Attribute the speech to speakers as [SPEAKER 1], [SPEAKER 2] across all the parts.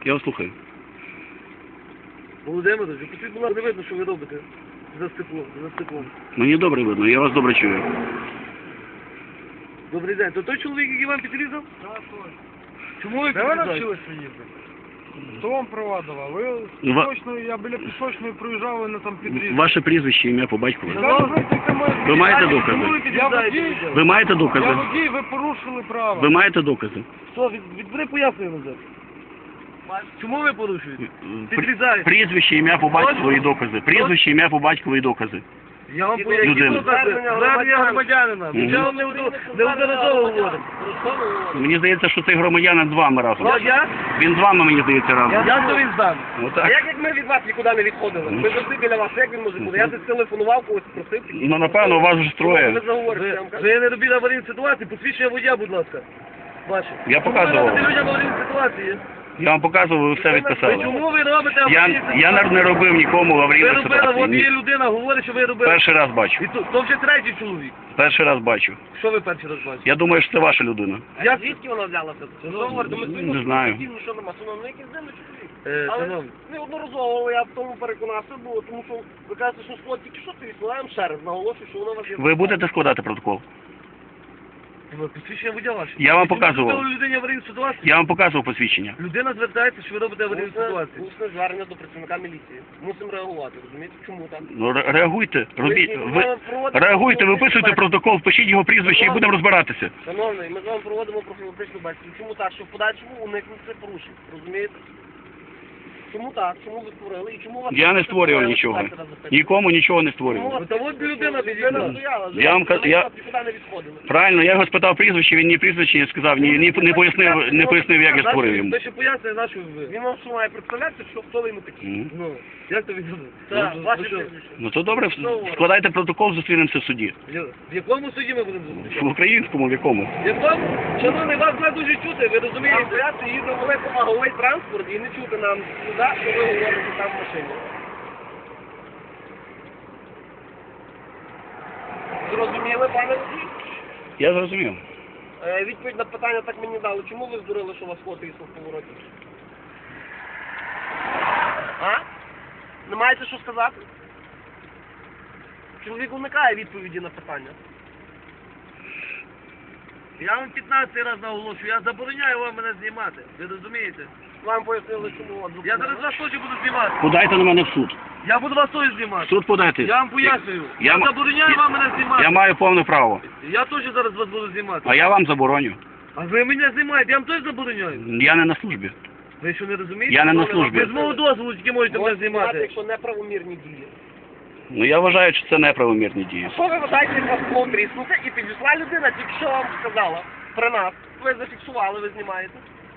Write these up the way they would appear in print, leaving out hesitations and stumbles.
[SPEAKER 1] Я вас слухаю.
[SPEAKER 2] Володимирович, тут була не видно, що ви робите за стеклом.
[SPEAKER 1] Мені добре видно, я вас добре чую.
[SPEAKER 2] Добрий день. То той чоловік, який вам підрізав?
[SPEAKER 3] Так, точно.
[SPEAKER 2] Чому ви
[SPEAKER 3] Де ви
[SPEAKER 2] підрізаєте?
[SPEAKER 3] навчилися їздити? Хто вам права давав? Ви пісочною, я біля пісочної проїжджав, ви на там підрізали.
[SPEAKER 1] Ваше прізвище, ім'я по батькові. Ви
[SPEAKER 2] А
[SPEAKER 1] маєте
[SPEAKER 2] чому
[SPEAKER 1] докази?
[SPEAKER 2] ви
[SPEAKER 3] Я
[SPEAKER 2] підрізаєте
[SPEAKER 3] водій.
[SPEAKER 2] людей?
[SPEAKER 1] Ви маєте
[SPEAKER 3] Я
[SPEAKER 1] докази?
[SPEAKER 3] водій, ви порушили право.
[SPEAKER 1] Ви маєте докази?
[SPEAKER 2] Що, відбери пояснення назад. Чому ви порушуєте? Підрізаєте.
[SPEAKER 1] Прізвище, ім'я по батькові і докази. Прізвище, ім'я по батькові і докази.
[SPEAKER 2] Я вам поясню.
[SPEAKER 1] Людина.
[SPEAKER 2] Звернення громадянина. Я вам неодноразово говорю.
[SPEAKER 1] Мені здається, що цей громадянин з вами разом.
[SPEAKER 2] Я?
[SPEAKER 1] Він з вами, мені здається, разом.
[SPEAKER 2] Я то він здам.
[SPEAKER 4] А
[SPEAKER 1] Отак.
[SPEAKER 4] як ми від вас нікуди не відходили? Ми завжди біля вас, як він може бути? Я десь телефонував, когось просив.
[SPEAKER 1] Ну, напевно, у вас вже
[SPEAKER 4] Ви
[SPEAKER 1] троє.
[SPEAKER 4] заговорите, я вам кажу.
[SPEAKER 2] Ви не робіть аварійні ситуації, посвідчення водія, будь ласка. Ваше.
[SPEAKER 1] Я показував.
[SPEAKER 2] Чому ви робите людям аварійні ситуації?
[SPEAKER 1] Я вам показував, ви все відписали.
[SPEAKER 2] Чому ви робите аварійні ситуації?
[SPEAKER 1] Я не робив нікому
[SPEAKER 2] Ви
[SPEAKER 1] аварійної
[SPEAKER 2] робили, от є
[SPEAKER 1] ситуації.
[SPEAKER 2] людина, говорить, що ви робили.
[SPEAKER 1] Перший раз бачу.
[SPEAKER 2] І то вже третій чоловік.
[SPEAKER 1] Перший раз бачу.
[SPEAKER 2] Що ви перший раз бачите?
[SPEAKER 1] Я думаю, що це ваша людина.
[SPEAKER 4] А звідки вона взялася? Що говорите? Ми стоїмо,
[SPEAKER 1] Не знаю.
[SPEAKER 4] що нема, що нам якийсь дивний чоловік. Але
[SPEAKER 2] Шановні,
[SPEAKER 4] неодноразово я в тому переконався було, тому що ви кажете, що склад тільки що ти відсилаємо ще раз, наголошую, що воно у вас є.
[SPEAKER 1] Ви будете складати протокол?
[SPEAKER 2] посвідчення водія ваше.
[SPEAKER 1] Я вам
[SPEAKER 2] Чому
[SPEAKER 1] показував.
[SPEAKER 2] ви зробили людині аварійну ситуацію?
[SPEAKER 1] Я вам показував посвідчення.
[SPEAKER 2] Людина звертається, що ви робите аварійну ситуацію.
[SPEAKER 4] Усне звернення до працівника міліції. Мусимо реагувати, розумієте? Чому так?
[SPEAKER 1] Ну, реагуйте, робіть. Ви реагуйте, виписуйте протокол, пишіть його прізвище і будемо розбиратися.
[SPEAKER 4] Шановний, ми з вами проводимо профілактичну бесіду. Чому так? Щоб в подальшому уникнути порушень, розумієте? Чому так? Чому ви створили? І чому у вас...
[SPEAKER 1] Я не створював нічого. Нікому нічого не створював.
[SPEAKER 2] Та от людина підійшла.
[SPEAKER 1] Я вам
[SPEAKER 4] нікуди
[SPEAKER 1] я
[SPEAKER 4] не відходили.
[SPEAKER 1] правильно, я його спитав прізвище, він ні прізвище не сказав, не пояснив, як я створив йому.
[SPEAKER 2] Ти ще пояснює, на що ви.
[SPEAKER 4] Він вам що має представлятися, що хто ви йому такі?
[SPEAKER 2] Ну, як то відомо?
[SPEAKER 4] Так, ваше
[SPEAKER 2] що?
[SPEAKER 4] прізвище.
[SPEAKER 1] Ну то добре, складайте протокол, зустрінемося в суді.
[SPEAKER 2] В якому суді ми будемо зустрічати?
[SPEAKER 1] В українському, в якому?
[SPEAKER 2] В якому? Шановний, вас не дуже чути, ви розумієте?
[SPEAKER 4] Я їду великомаговий транспорт і не чути нам сюди, що ви говорите там в машині. Зрозуміли, пане водій?
[SPEAKER 1] Я зрозумів.
[SPEAKER 4] Відповідь на питання так мені дали. Чому ви здурили, що у вас фото їхав в повороті? А? Не маєте що сказати? Чоловік уникає відповіді на питання.
[SPEAKER 2] Я вам 15 раз наголошую, я забороняю вам мене знімати. Ви розумієте?
[SPEAKER 4] Вам пояснили, чому вас
[SPEAKER 2] Я зараз вас теж буду знімати.
[SPEAKER 1] Подайте на мене в суд.
[SPEAKER 2] Я буду вас теж
[SPEAKER 1] В
[SPEAKER 2] знімати.
[SPEAKER 1] суд подайте.
[SPEAKER 2] Я вам пояснюю.
[SPEAKER 1] Я
[SPEAKER 2] Я забороняю вам мене знімати.
[SPEAKER 1] Я маю повне право.
[SPEAKER 2] Я теж зараз вас буду знімати.
[SPEAKER 1] А я вам забороню.
[SPEAKER 2] А ви мене знімаєте, я вам теж забороняю.
[SPEAKER 1] Я не на службі.
[SPEAKER 2] Ви що не розумієте?
[SPEAKER 1] Я не на службі.
[SPEAKER 2] Ви з мого дозволу тільки можете мене
[SPEAKER 4] Можете знімати,
[SPEAKER 2] знімати.
[SPEAKER 4] якщо неправомірні дії.
[SPEAKER 1] Ну я вважаю, що це неправомірні дії.
[SPEAKER 4] Що ви вважаєте, як вас було тріснути і підійшла людина, тільки що вам сказала при нас. Ви зафіксували, ви знімаєте.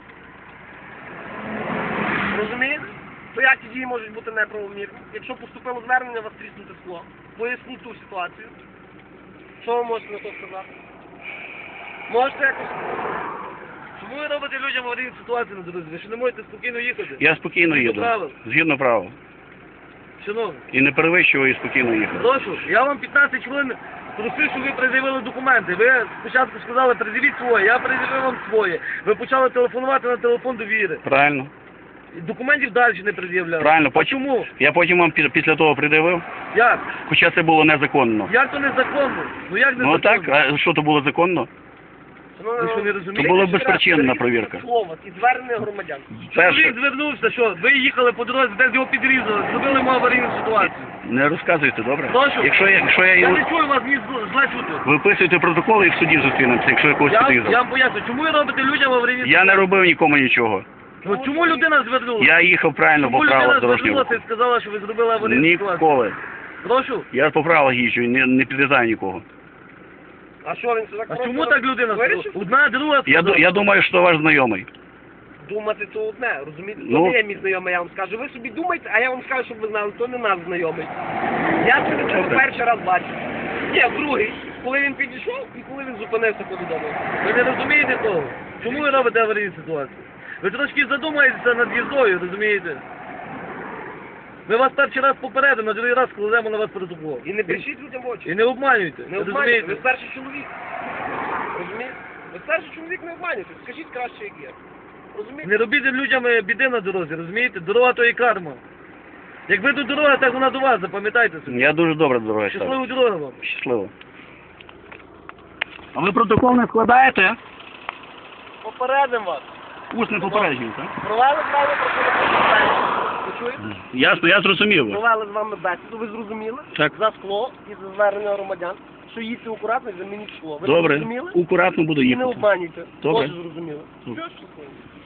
[SPEAKER 4] Розумієте? То як ці дії можуть бути неправомірні? Якщо поступило звернення, вас тріснути скло. Поясніть ту ситуацію. Що ви можете на то сказати? Можете якось...
[SPEAKER 2] Чому ви робите людям аварійну ситуацію на дорозі? Ви що не можете спокійно їхати?
[SPEAKER 1] Я спокійно
[SPEAKER 2] Згідно
[SPEAKER 1] їду.
[SPEAKER 2] правил.
[SPEAKER 1] Згідно правил.
[SPEAKER 2] Шановні,
[SPEAKER 1] І не перевищую і спокійно їхати.
[SPEAKER 2] прошу, я вам 15 хвилин просив, щоб ви пред'явили документи. Ви спочатку сказали, пред'явіть своє, я пред'явив вам своє. Ви почали телефонувати на телефон довіри.
[SPEAKER 1] Правильно.
[SPEAKER 2] І документів далі не пред'являли.
[SPEAKER 1] Правильно.
[SPEAKER 2] А чому?
[SPEAKER 1] Я потім вам після того придивив,
[SPEAKER 2] Як?
[SPEAKER 1] хоча це було незаконно.
[SPEAKER 2] Як то незаконно? Ну як
[SPEAKER 1] Ну
[SPEAKER 2] незаконно?
[SPEAKER 1] так, а що то було законно?
[SPEAKER 2] Ви що не розумієте?
[SPEAKER 1] То була безпричинна перевірка.
[SPEAKER 4] Слово і звернення громадян.
[SPEAKER 1] Перше,
[SPEAKER 2] Чоловік звернувся, що ви їхали по дорозі, десь його підрізали, зробили йому аварійну ситуацію.
[SPEAKER 1] не розказуйте, добре?
[SPEAKER 2] Прошу.
[SPEAKER 1] Якщо я
[SPEAKER 2] Я
[SPEAKER 1] його...
[SPEAKER 2] не чую вас, ні зла чути.
[SPEAKER 1] Виписуйте протоколи і в суді зустрінемося, якщо я когось
[SPEAKER 2] Я
[SPEAKER 1] підрізав.
[SPEAKER 2] вам поясню, чому ви робите людям аварійні
[SPEAKER 1] Я
[SPEAKER 2] ситуації?
[SPEAKER 1] не робив нікому нічого.
[SPEAKER 2] Ну, чому людина звернулася?
[SPEAKER 1] Я їхав правильно
[SPEAKER 2] Чому
[SPEAKER 1] по
[SPEAKER 2] людина
[SPEAKER 1] правилах дорожнього
[SPEAKER 2] звернулася
[SPEAKER 1] руху.
[SPEAKER 2] і сказала, що ви зробили аварійну ситуацію?
[SPEAKER 1] Ніколи.
[SPEAKER 2] Прошу.
[SPEAKER 1] Я по правилах їжджу і не підрізаю нікого.
[SPEAKER 4] А що він це так
[SPEAKER 2] А чому так людина сказала?
[SPEAKER 4] вирішив?
[SPEAKER 2] Одна, друга сказала.
[SPEAKER 1] Я думаю, що ваш знайомий.
[SPEAKER 4] Думати то одне, розумієте?
[SPEAKER 1] Ну.
[SPEAKER 4] То не є мій знайомий, я вам скажу. Ви собі думайте, а я вам скажу, щоб ви знали, то не наш знайомий. Я це
[SPEAKER 1] Добре.
[SPEAKER 4] перший раз бачу. Ні, другий. Коли він підійшов і коли він зупинився повідомив.
[SPEAKER 2] Ви не розумієте того? Чому ви робите аварійну ситуацію? Ви трошки задумаєтеся над їздою, розумієте? Ми вас перший раз попередимо, на другий раз складемо на вас протокол.
[SPEAKER 4] І не брешіть людям в очі.
[SPEAKER 2] І не обманюйте,
[SPEAKER 4] Не обманюйте,
[SPEAKER 2] розумієте?
[SPEAKER 4] ви старший чоловік. Розумієте? Ви старший чоловік, не обманюйте. Скажіть краще, як є. Розумієте?
[SPEAKER 2] Не робіть людям біди на дорозі, розумієте? Дорога то і карма. Як ви до дороги, так вона до вас, запам'ятайте собі.
[SPEAKER 1] Я дуже добре дорога ставлю.
[SPEAKER 2] Щасливої дороги вам.
[SPEAKER 1] Щасливо. А ви протокол не складаєте?
[SPEAKER 4] Попередимо вас.
[SPEAKER 1] Усне попередження, так?
[SPEAKER 4] Провели з вами бесіду. Ви чуєте?
[SPEAKER 1] Ясно, я зрозумів.
[SPEAKER 4] Провели з вами бесіду, ви зрозуміли?
[SPEAKER 1] Так.
[SPEAKER 4] За скло і за звернення громадян, що їдьте акуратно і замініть скло. Ви
[SPEAKER 1] Добре.
[SPEAKER 4] зрозуміли?
[SPEAKER 1] Акуратно буду
[SPEAKER 4] І не
[SPEAKER 1] їхати.
[SPEAKER 4] обманюйте.
[SPEAKER 1] Добре.
[SPEAKER 4] Тоже зрозуміли.
[SPEAKER 1] Добре.
[SPEAKER 4] Все, щасливо.